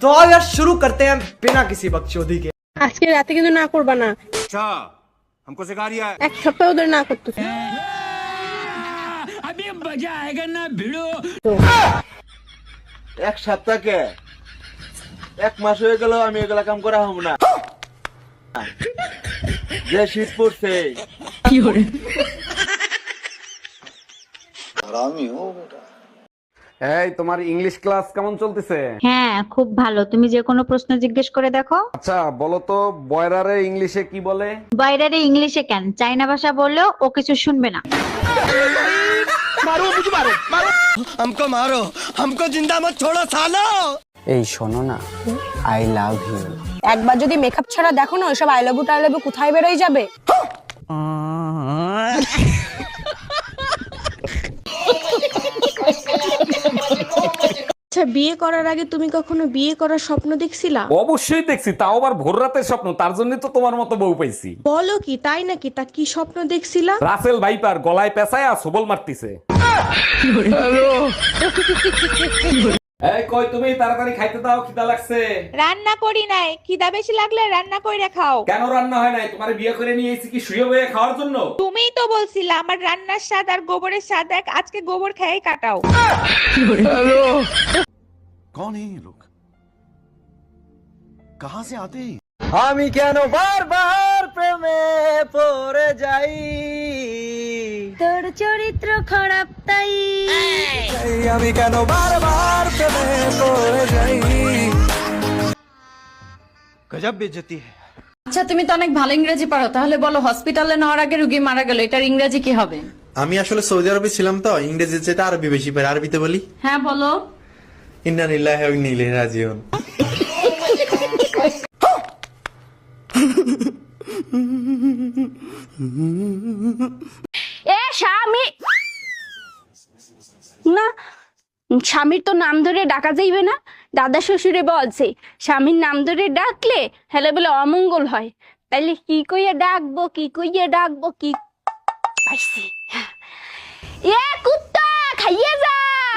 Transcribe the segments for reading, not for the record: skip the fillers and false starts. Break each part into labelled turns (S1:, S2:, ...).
S1: तो आओ यार शुरू करते हैं बिना किसी बकचोदी के।
S2: আজকে রাতে কিন্তু না করবা না।
S3: अच्छा हमको सिखा रिया है।
S2: এক সপ্তাহ ধরে না করতেছ।
S4: अभी मजा आएगा ना भिड़ो।
S5: এক সপ্তাহকে এক মাস হয়ে গেল আমি এগুলা কাম করা হব না। যে শীত পড়ছে
S6: এই তোমার ইংলিশ ক্লাস কেমন চলতেছে?
S7: হ্যাঁ খুব ভালো, তুমি যে কোনো প্রশ্ন জিজ্ঞেস করে দেখো।
S6: আচ্ছা বলো তো বয়রারে ইংলিশে কি বলে?
S7: বাইরের ইংলিশে কেন, চাইনা ভাষা বললেও ও কিছু শুনবে না।
S4: हमको मारो, हमको जिंदा मत छोड़ो सालो।
S1: এই শোনো না, আই লাভ ইউ।
S2: একবার যদি মেকআপ ছাড়া দেখো না, ওইসব আই লাভ ইউ কোথায় বেরোয় যাবে। আচ্ছা, বিয়ে করার আগে তুমি কখনো বিয়ে করার স্বপ্ন দেখছিলা?
S6: অবশ্যই দেখছি, তাও আবার ভোর রাতের স্বপ্ন। তার জন্য তো তোমার মতো বউ পাইছি।
S2: বলো কি, তাই নাকি? তা কি স্বপ্ন দেখছিলা?
S6: রাসেল ভাইপার গলায় পেঁচায় আর সবল মারতিছে। এই কই তুমি, তাড়াতাড়ি খাইতে দাও, খিদা লাগছে।
S8: রান্না করি নাই, খিদা বেশি লাগলে রান্না কইরা খাও।
S6: কেন রান্না হয় নাই? তোমার বিয়ে করে নিয়ে এসেছি কি শুয়ে বয়ে খাওয়ার জন্য?
S8: তুমিই তো বলছিলা আমার রান্নার স্বাদ আর গোবরের স্বাদ এক, আজকে গোবর খেয়েই কাটাও।
S3: कौन है ये लोग? कहाँ से आते हैं?
S5: আমি কেন বারবার প্রেমে পড়ে যাই,
S2: তোর চরিত্র খারাপ তাই।
S5: আমি কেন বারবার প্রেমে পড়ে যাই।
S3: गजब बेइज्जती है।
S9: আচ্ছা তুমি তো অনেক ভালো ইংরেজি পারো, তাহলে বলো হসপিটালে নেওয়ার আগে রোগী মারা গেল, এটার ইংরেজি কি হবে?
S10: আমি আসলে সৌদি আরবে ছিলাম তো, ইংরেজি যেটা আরবি বেশি পারি। আরবিতে বলি
S9: হ্যাঁ বলো।
S10: ইন্না লিল্লাহি ওয়া ইন্না ইলাইহি রাজিউন।
S2: এ স্বামী না, স্বামীর তো নাম ধরে ডাকা যাইবে না। দাদা শ্বশুরে বলছে স্বামীর নাম ধরে ডাকলে হেলে বলে অমঙ্গল হয়। তাইলে কি কইয়া ডাকবো, কি কইয়া ডাকবো, কি পাইছি। এ কুত্তা খাইয়ে যা।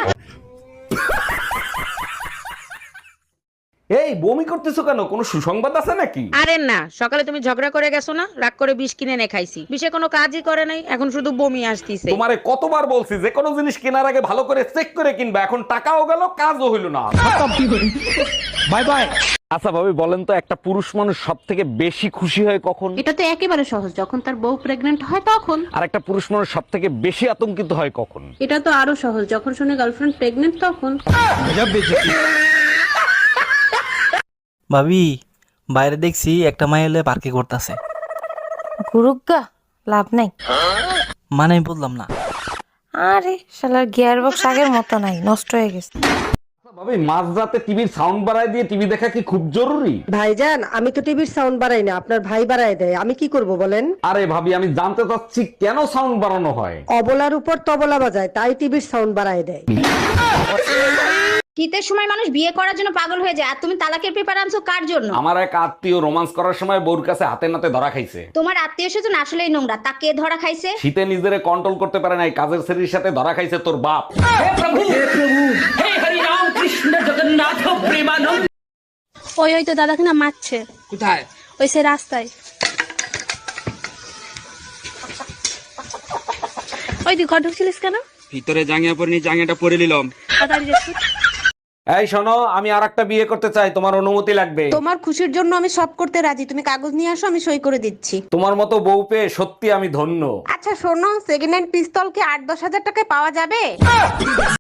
S6: এই বমি করতেছো কেন? কোনো সুসংবাদ আছে নাকি?
S8: আরে না, সকালে তুমি ঝগড়া করে গেছো না, রাগ করে বিষ কিনে এনে খাইছি, বিষে কোনো কাজই করে নাই, এখন শুধু বমি আসতিছে।
S6: তোমারে কতবার বলছি যে কোনো জিনিস কেনার আগে ভালো করে চেক করে কিনবা, এখন টাকাও গেল কাজও হইল না। Bye bye. আচ্ছা ভাবি বলেন তো, একটা পুরুষ মানুষ সব থেকে বেশি খুশি হয় কখন?
S7: এটা তো একেবারে সহজ, যখন তার বউ প্রেগনেন্ট হয় তখন।
S6: আর একটা পুরুষ মানুষ সব থেকে বেশি আতঙ্কিত হয় কখন?
S7: এটা তো আরো সহজ, যখন শুনে গার্লফ্রেন্ড প্রেগনেন্ট তখন।
S1: ভাবি বাইরে দেখছি একটা মাই হলে পার্কে করতেছে।
S9: গুরুগা লাভ নাই।
S1: মানে আমি বললাম না।
S9: আরে শালার গিয়ার বক্স আগের মতো নাই, নষ্ট হয়ে গেছে।
S6: ভাবি মাঝরাতে টিভির সাউন্ড বাড়ায় দিয়ে টিভি দেখা কি খুব জরুরি?
S2: ভাইজান, আমি তো টিভির সাউন্ড বাড়াই না, আপনার ভাই বাড়ায় দেয়। আমি কি করব বলেন?
S6: আরে ভাবি আমি জানতে চাচ্ছি কেন সাউন্ড বাড়ানো হয়?
S2: অবলার উপর তবলা বাজায়, তাই টিভির সাউন্ড বাড়ায় দেয়।
S7: শীতের সময় মানুষ বিয়ে করার জন্য পাগল হয়ে যায়, আর তুমি তালাকের পেপার আনছো কার জন্য?
S6: আমার এক আত্মীয় রোমান্স করার সময় বউর কাছে হাতে নাতে ধরা খাইছে।
S7: তোমার আত্মীয় স্বজন আসলেই নোংরা, তাকে ধরা খাইছে।
S6: শীতে নিজেরে কন্ট্রোল করতে পারে নাই, কাজের ছেলের সাথে ধরা খাইছে তোর বাপ।
S4: हे हरि राम कृष्ण जगन्नाथ प्रेमानंद।
S2: ওই তো দাদাকে না মারছে।
S4: কোথায়?
S2: ওই সে রাস্তায়। ওই তুই ঘর ঢুকছিলিস কেন?
S4: ভিতরে জাঙ্গিয়া পরে জাঙ্গিয়াটা পরে নিলাম।
S2: তাড়াতাড়ি যাচ্ছি।
S6: এই শোনো, আমি আরেকটা বিয়ে করতে চাই, তোমার অনুমতি লাগবে।
S2: তোমার খুশির জন্য আমি সব করতে রাজি, তুমি কাগজ নিয়ে আসো, আমি সই করে দিচ্ছি।
S6: তোমার মতো বউ পেয়ে সত্যি আমি ধন্য।
S2: আচ্ছা শোনো, সেকেন্ড হ্যান্ড পিস্তল কি 8-10 হাজার টাকায় পাওয়া যাবে?